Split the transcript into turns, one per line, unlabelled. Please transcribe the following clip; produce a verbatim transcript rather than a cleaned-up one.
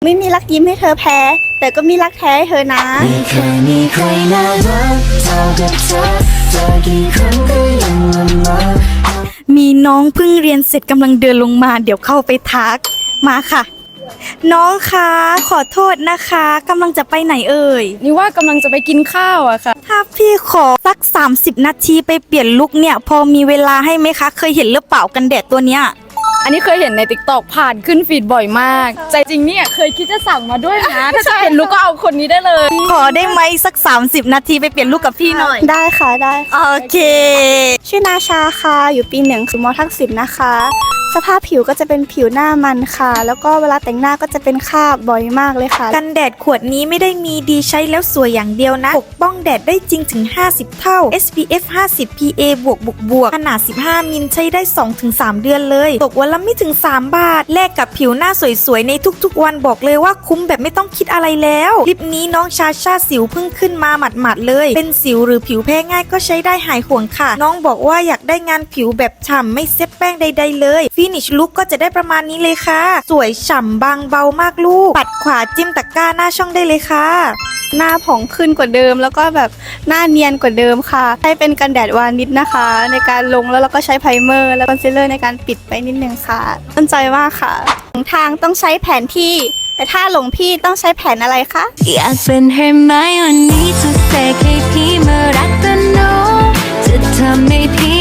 ไม่มีรักยิ้มให้เธอแพ้แต่ก็มีรักแท้ให้เธอนะ
ไม่เคยมีใครน่ารักเท่ากับเธอเจอกี่ครั้งก็ยังละเมอ
มีน้องเพิ่งเรียนเสร็จกำลังเดินลงมาเดี๋ยวเข้าไปทักมาค่ะน้องคะขอโทษนะคะกำลังจะไปไหนเอ่ย
นี่ว่ากำลังจะไปกินข้าวอะค่ะ
ถ้าพี่ขอสักสามสิบนาทีไปเปลี่ยนลุคเนี่ยพอมีเวลาให้ไหมคะเคยเห็นหรือเปล่ากันแดดตัวเนี้ย
อันนี้เคยเห็นใน ติ๊กต็อก ผ่านขึ้นฟีดบ่อยมากใจจริงเนี่ยเคยคิดจะสั่งมาด้วยนะถ้าจะเป็นลุคก็เอาคนนี้ได้เลย
ขอได้ไหมสักสามสิบนาทีไปเปลี่ยนลุคกับพี่หน่อย
ได้ค่ะได้
โอเค
ชื่อนาชาค่ะอยู่ปีหนึ่งคือมอทักษิณนะคะสภาพผิวก็จะเป็นผิวหน้ามันค่ะแล้วก็เวลาแต่งหน้าก็จะเป็นคราบบ่อยมากเลยค่ะ
กันแดดขวดนี้ไม่ได้มีดีใช้แล้วสวยอย่างเดียวนะปกป้องแดดได้จริงถึงห้าสิบเท่า เอส พี เอฟ ห้าสิบ พี เอ บวกบวกบวกขนาดสิบห้ามิลใช้ได้ สองถึงสาม เดือนเลยตกวันละไม่ถึงสามบาทแลกกับผิวหน้าสวยๆในทุกๆวันบอกเลยว่าคุ้มแบบไม่ต้องคิดอะไรแล้วคลิปนี้น้องชาชาสิวเพิ่งขึ้นมาหมัดๆเลยเป็นสิวหรือผิวแพ้ง่ายก็ใช้ได้หายห่วงค่ะน้องบอกว่าอยากได้งานผิวแบบฉ่ำไม่เซ็ตแป้งใดๆเลยฟินิชลุคก็จะได้ประมาณนี้เลยค่ะสวยฉ่ำบางเบามากลูกปัดขวาจิ้มตะกร้าหน้าช่องได้เลยค่ะ
หน้าผ่องขึ้นกว่าเดิมแล้วก็แบบหน้าเนียนกว่าเดิมค่ะใช้เป็นกันแดดวานิชนะคะ ในการลงแล้วเราก็ใช้ไพรเมอร์แล้วคอนซีลเลอร์ในการปิดไปนิดนึงค่ะตั้งใจมากค่ะหลงทางต้องใช้แผนที่แต่ถ้าหลงพี่ต้องใช้แผนอะไรคะ
อยากเป็นเฮอร์ไมโอนี่จะเสกให้พี่มารักกันโนจะทำให้พี่